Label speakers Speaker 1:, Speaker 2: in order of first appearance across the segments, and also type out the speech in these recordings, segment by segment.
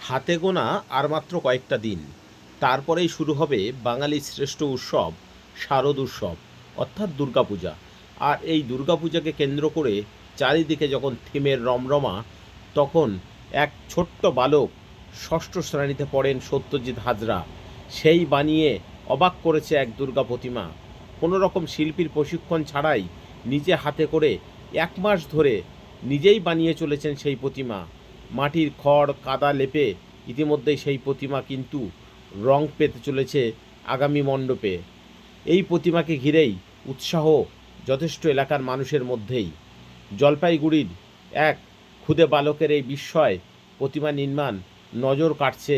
Speaker 1: হাতে গোনা আর মাত্র কয়েকটা দিন, তারপরেই শুরু হবে বাঙালির শ্রেষ্ঠ উৎসব শারদ উৎসব অর্থাৎ দুর্গাপূজা। আর এই দুর্গাপূজাকে কেন্দ্র করে চারিদিকে যখন থিমের রমরমা, তখন এক ছোট্ট বালক ষষ্ঠ শ্রেণীতে পড়েন সত্যজিৎ হাজরা, সেই বানিয়ে অবাক করেছে এক দুর্গা প্রতিমা। কোনো রকম শিল্পীর প্রশিক্ষণ ছাড়াই নিজে হাতে করে 1 মাস ধরে নিজেই বানিয়ে চলেছেন সেই প্রতিমা। মাটির খড় কাদা লেপে ইতিমধ্যেই সেই প্রতিমা কিন্তু রং পেতে চলেছে আগামী মণ্ডপে। এই প্রতিমাকে ঘিরেই উৎসাহ যথেষ্ট এলাকার মানুষের মধ্যেই। জলপাইগুড়ির এক ক্ষুদে বালকের এই বিস্ময় প্রতিমা নির্মাণ নজর কাটছে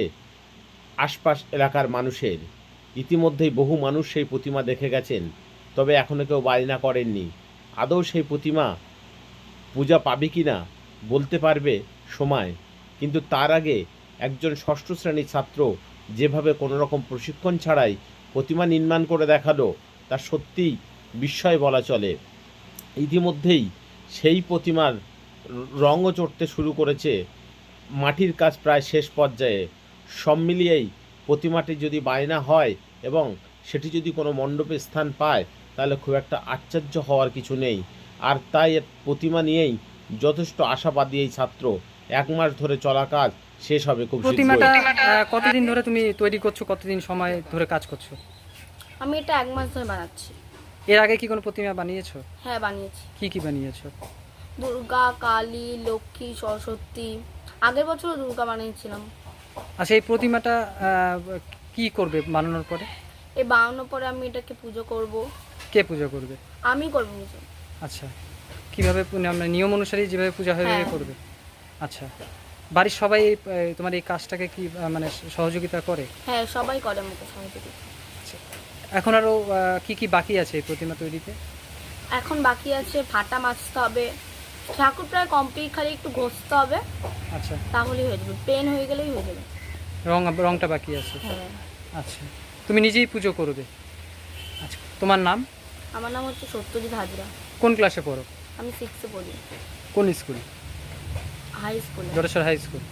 Speaker 1: আশপাশ এলাকার মানুষের। ইতিমধ্যেই বহু মানুষ সেই প্রতিমা দেখে গেছেন, তবে এখনও কেউ বায়না করেননি। আদৌ সেই প্রতিমা পূজা পাবে কি না বলতে পারবে সময়, কিন্তু তার আগে একজন ষষ্ঠ শ্রেণীর ছাত্র যেভাবে কোনো রকম প্রশিক্ষণ ছাড়াই প্রতিমা নির্মাণ করে দেখালো, তা সত্যিই বিস্ময় বলা চলে। ইতিমধ্যেই সেই প্রতিমার রঙও চড়তে শুরু করেছে, মাটির কাজ প্রায় শেষ পর্যায়ে। সব মিলিয়েই প্রতিমাটি যদি বায়না হয় এবং সেটি যদি কোনো মণ্ডপে স্থান পায়, তাহলে খুব একটা আশ্চর্য হওয়ার কিছু নেই। আর তাই প্রতিমা নিয়েই যথেষ্ট আশাবাদী এই ছাত্র। 1 মাস ধরে চলা কাজ শেষ হবে খুব
Speaker 2: প্রতিমাটা
Speaker 1: শীঘ্রই।
Speaker 2: কতদিন ধরে তুমি তৈরি করছো, কতদিন সময় ধরে কাজ করছো?
Speaker 3: আমি এটা 1 মাস ধরে বানাচ্ছি।
Speaker 2: এর আগে কি কোনো প্রতিমা বানিয়েছো?
Speaker 3: হ্যাঁ, বানিয়েছি।
Speaker 2: কি কি বানিয়েছো?
Speaker 3: দুর্গা, কালী, লক্ষ্মী, সরস্বতী। আগের বছরও দুর্গা বানিয়েছিলাম।
Speaker 2: আচ্ছা, এই প্রতিমাটা কি করবে বানানোর পরে?
Speaker 3: এই বানানোর পরে আমি এটাকে পুজো করব।
Speaker 2: কে পুজো করবে?
Speaker 3: আমি করব পুজো।
Speaker 2: আচ্ছা, কিভাবে আমরা নিয়ম অনুসারে যেভাবে পূজা হয়
Speaker 3: হ্যাঁ।
Speaker 2: করবে? আচ্ছা, বাড়ির সবাই তোমার এই কাজটাকে কি মানে সহযোগিতা করে?
Speaker 3: হ্যাঁ, সবাই করে আমাকে সহযোগিতা।
Speaker 2: আচ্ছা, এখন আরও কি কি বাকি আছে এই প্রতিমা তৈরিতে?
Speaker 3: এখন বাকি আছে ফাটা মাজতে হবে। ঠাকুর প্রায় কমপ্লিট, খালি একটু ঘষতে হবে,
Speaker 2: আচ্ছা,
Speaker 3: তাহলেই হয়ে যাবে। পেন হয়ে গেলেই হয়ে যাবে।
Speaker 2: রংটা বাকি আছে।
Speaker 3: হ্যাঁ।
Speaker 2: আচ্ছা, তুমি নিজেই পুজো করবে? আচ্ছা, তোমার নাম?
Speaker 3: আমার নাম হচ্ছে সত্যজিৎ হাজরা।
Speaker 2: কোন ক্লাসে পড়ো?
Speaker 3: আমি 6-এ পড়ি,
Speaker 2: কোন স্কুল?
Speaker 3: হাই স্কুলে।
Speaker 2: Jateshwar high school.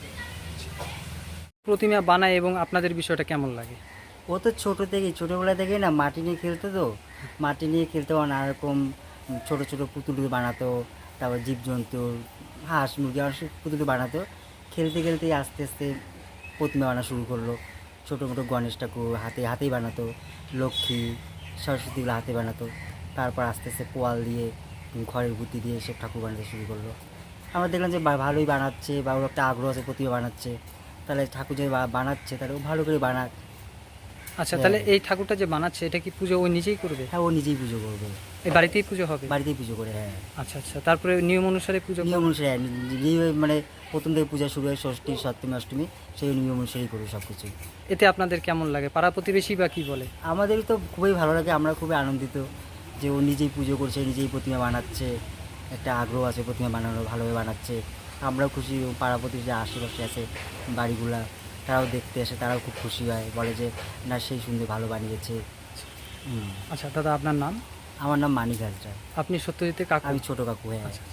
Speaker 2: প্রতিমা বানায় এবং আপনাদের বিষয়টা কেমন লাগে?
Speaker 4: ও তো ছোটোবেলা থেকেই না মাটি নিয়ে খেলতো, তো মাটি নিয়ে খেলতে নানা রকম ছোটো ছোটো পুতুল বানাতো, তারপর জীবজন্তু, হাঁস মুরগি আর পুতুল বানাতো। খেলতে খেলতেই আস্তে আস্তে প্রতিমা বানানো শুরু করলো। ছোটো মোটো গণেশ ঠাকুর হাতেই বানাতো, লক্ষ্মী সরস্বতীগুলো হাতে বানাতো। তারপর আস্তে আস্তে পোয়াল দিয়ে খড়ের বুদ্ধি দিয়ে সব ঠাকুর বানাতে শুরু করলো। আমরা দেখলাম যে ভালোই বানাচ্ছে, বা ওর একটা আগ্রহ আছে প্রতিমা বানাচ্ছে, তাহলে ঠাকুর যে বানাচ্ছে তাহলে ও ভালো করে বানাক।
Speaker 2: আচ্ছা, তাহলে এই ঠাকুরটা যে বানাচ্ছে এটা কি পুজো ও নিজেই করবে?
Speaker 4: হ্যাঁ, ও নিজেই পুজো করবে,
Speaker 2: এই বাড়িতেই পুজো হবে?
Speaker 4: বাড়িতেই পুজো করে। হ্যাঁ,
Speaker 2: আচ্ছা আচ্ছা, তারপরে নিয়ম অনুসারে পুজো
Speaker 4: নিয়ম অনুসারে যেভাবে মানে প্রথম থেকে পূজা শুরু হয়, ষষ্ঠী সপ্তমী অষ্টমী, সেই নিয়ম অনুসারেই করবে সব কিছু।
Speaker 2: এতে আপনাদের কেমন লাগে? পাড়া প্রতিবেশী বা কি বলে?
Speaker 4: আমাদের তো খুবই ভালো লাগে, আমরা খুবই আনন্দিত যে ও নিজেই পুজো করছে, নিজেই প্রতিমা বানাচ্ছে, একটা আগ্রহ আছে প্রতিমা বানানো, ভালোভাবে বানাচ্ছে। আমরাও খুশি। পাড়া প্রতিবেশী আশেপাশে আছে বাড়িগুলা, তারাও দেখতে আসে, তারাও খুব খুশি হয়, বলে যে না সেই সুন্দর ভালো বানিয়েছে।
Speaker 2: আচ্ছা দাদা, আপনার নাম?
Speaker 4: আমার নাম মানিক হাজরা।
Speaker 2: আপনি সত্যজিতের কাকু?
Speaker 4: আমি ছোটো কাকু। হ্যাঁ।
Speaker 2: আচ্ছা।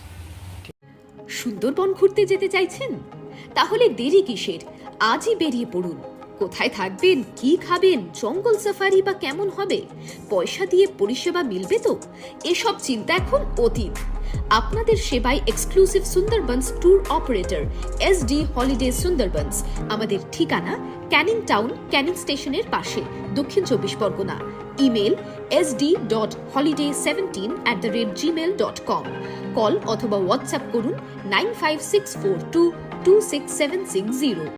Speaker 5: সুন্দরবন ঘুরতে যেতে চাইছেন? তাহলে দেরি কিসের? আজই বেরিয়ে পড়ুন। কোথায় থাকবেন, কি খাবেন, জঙ্গল সাফারি বা কেমন হবে, পয়সা দিয়ে পরিষেবা মিলবে তো? এসব চিন্তা এখন অতীত। আপনাদের সেবায় exclusive Sundarbans tour operator SD holiday Sundarbans. আমাদের ঠিকানা ক্যানিং টাউন, ক্যানিং স্টেশনের পাশে, Dakshin 24 Pargana. Email sd.holiday17@gmail.com। Call অথবা হোয়াটসঅ্যাপ করুন 9564226760।